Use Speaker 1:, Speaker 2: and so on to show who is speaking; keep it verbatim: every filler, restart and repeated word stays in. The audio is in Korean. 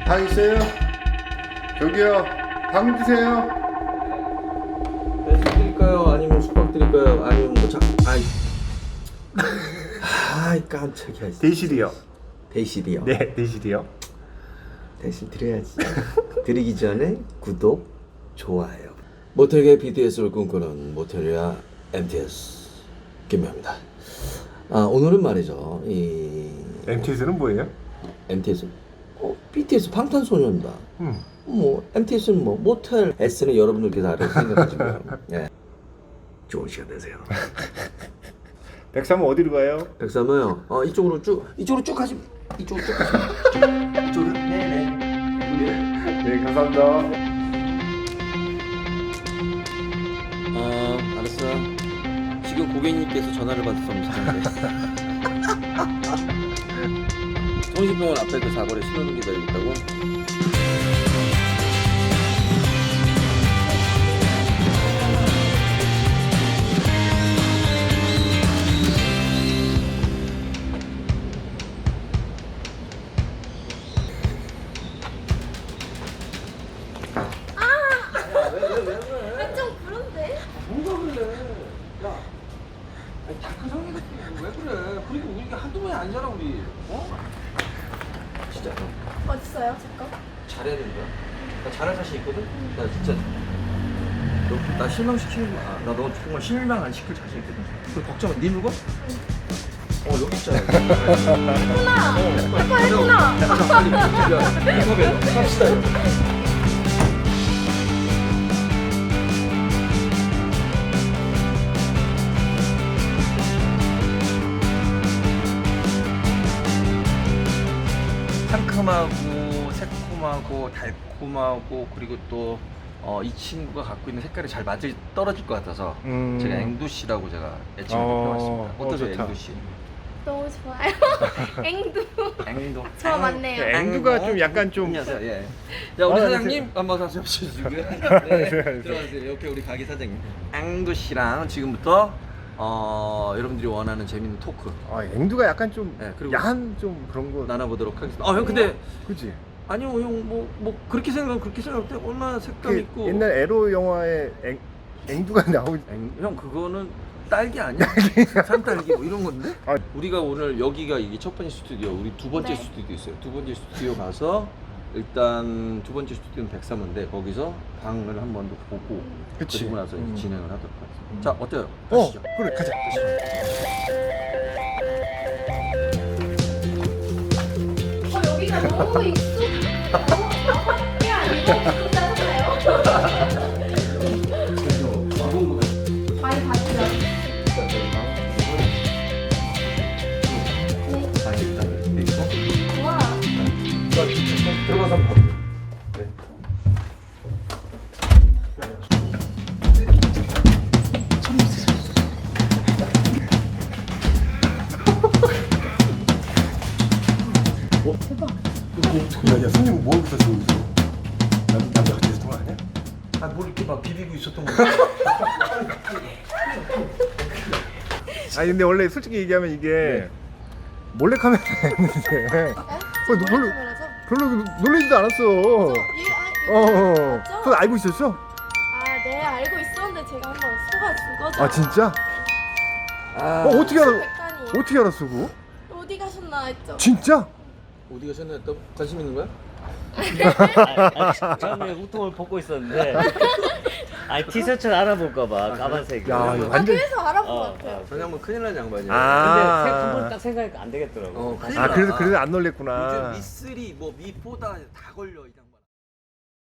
Speaker 1: 방 있어요? 저기요, 방 주세요.
Speaker 2: 배식 드릴까요? 아니면 숙박 드릴까요? 아니면 뭐 자, 아이, 아이 깜짝이야.
Speaker 1: 대실이요.
Speaker 2: 대실이요.
Speaker 1: 네, 대실이요.
Speaker 2: 대신 드려야지. 드리기 전에 구독, 좋아요. 모텔계 비티에스를 꿈꾸는 모텔리아 엠티에스 김명입니다. 아 오늘은 말이죠. 이
Speaker 1: 엠티에스는 뭐예요?
Speaker 2: 엠티에스, 어, 비티에스 방탄소년단.
Speaker 1: 음.
Speaker 2: 뭐 엠티에스는 뭐 모텔, S는 여러분들께서 알아서 생각하시고요. 예. 좋은 시간 되세요.
Speaker 1: 백삼은 어디로 가요?
Speaker 2: 백삼은요. 어 이쪽으로 쭉 이쪽으로 쭉 가시. 이쪽으로 쭉 가시. 이쪽으로. 네네.
Speaker 1: 네, 감사합니다.
Speaker 2: 어 알았어. 지금 고객님께서 전화를 받아서 미쳤는데. 성심병원 앞에 그 사거리 신호등 기다리고 있다고?
Speaker 3: 좀 그런데?
Speaker 2: 뭐가 그래? 야, 아니 다크 성이 왜 그래? 그리고 우리가 한두 번이 아니잖아 우리. 어? 진짜
Speaker 3: 어딨어요? 잠깐.
Speaker 2: 잘해야 된다. 나 잘할 자신 있거든. 나 진짜 너, 나 실망시키는 거야. 나 너 정말 실망 안 시킬 자신 있거든. 그 걱정 마. 네 누가? 어 여기 있잖아.
Speaker 3: 했구나.
Speaker 2: 어,
Speaker 3: 아빠 했구나.
Speaker 2: 가자 빨리. 야, 인터뷰 갑시다. 상큼하고 새콤하고 달콤하고 그리고 또 어, 이 친구가 갖고 있는 색깔이 잘 맞을 떨어질 것 같아서
Speaker 1: 음.
Speaker 2: 제가 앵두씨라고 제가 애칭을
Speaker 1: 어,
Speaker 2: 해봤습니다. 어떠세요,
Speaker 1: 어, 좋다.
Speaker 2: 앵두씨?
Speaker 3: 너무 좋아요. 앵두.
Speaker 2: 앵두.
Speaker 3: 저 맞네요.
Speaker 1: 네, 앵두가 좀 약간 좀-
Speaker 2: 안녕하세요. 예. 자 우리
Speaker 1: 아,
Speaker 2: 사장님 한번 사서 주시고요. 네, 들어가세요. 옆에 우리 가게 사장님. 앵두씨랑 지금부터 어, 여러분들이 원하는 재밌는 토크
Speaker 1: 아, 앵두가 약간 좀
Speaker 2: 네, 그리고
Speaker 1: 야한 좀 그런 거.
Speaker 2: 나눠보도록 하겠습니다. 아 형 근데
Speaker 1: 그지?
Speaker 2: 아니요 형 뭐 뭐 그렇게 생각하면 그렇게 생각할 때 얼마나 색감
Speaker 1: 그
Speaker 2: 있고
Speaker 1: 옛날 에로 영화에 앵 앵두가 나오.
Speaker 2: 앵, 형 그거는 딸기 아니야? 산딸기 뭐 이런 건데?
Speaker 1: 아.
Speaker 2: 우리가 오늘 여기가 이게 첫 번째 스튜디오, 우리 두 번째
Speaker 3: 네.
Speaker 2: 스튜디오 있어요. 두 번째 스튜디오 가서 일단 두 번째 스튜디오는 백삼인데 거기서 방을 한 번 더 보고
Speaker 1: 그치.
Speaker 2: 그리고 나서 이제
Speaker 1: 음.
Speaker 2: 진행을 하도록 하겠습니다. 자 어때요?
Speaker 1: 어,
Speaker 2: 가시죠.
Speaker 1: 그래, 가자.
Speaker 3: 어, 여기가 너무 익숙. 너무 밖에 아니고 짜잖아요. 많이 봤죠? 네. 우와.
Speaker 2: 들어가서 한번 봐요. 네.
Speaker 1: 야, 야, 손님 뭐 하고 있었어, 여기서? 남, 남자 같이 있었던 거 아니야?
Speaker 2: 아뭘 이렇게 막 비비고 있었던 거
Speaker 1: 아니, 근데 원래 솔직히 얘기하면 이게 몰래 카메라 했는데 어, 너 별로 별로 놀라지도 않았어. 어, 어. 그거 알고 있었어?
Speaker 3: 아, 네, 알고 있었는데 제가 한번 속아준 거죠.
Speaker 1: 아, 진짜?
Speaker 2: 아,
Speaker 1: 어, 어떻게 알아?
Speaker 3: 백단이
Speaker 1: 어떻게 알았어, 그거?
Speaker 3: 어디 가셨나 했죠?
Speaker 1: 진짜?
Speaker 2: 어디 가셨나 했다 관심 있는 거야?
Speaker 4: 아, 아, 처음에 후통을 벗고 있었는데 아 티셔츠를 알아볼까봐 까만색이.
Speaker 1: 야, 이거
Speaker 3: 아,
Speaker 1: 완전.
Speaker 3: 그래서 알아본
Speaker 4: 어,
Speaker 3: 것 같아요.
Speaker 4: 어.
Speaker 2: 전혀 뭐 큰일 난 양반이야.
Speaker 1: 아.
Speaker 4: 근데 한번 딱 생각하니까 안 되겠더라고.
Speaker 2: 어, 큰일
Speaker 1: 아,
Speaker 2: 나.
Speaker 1: 그래서 그래서 안 놀랬구나.
Speaker 2: 요즘 미쓰리 뭐 미포다 다 걸려.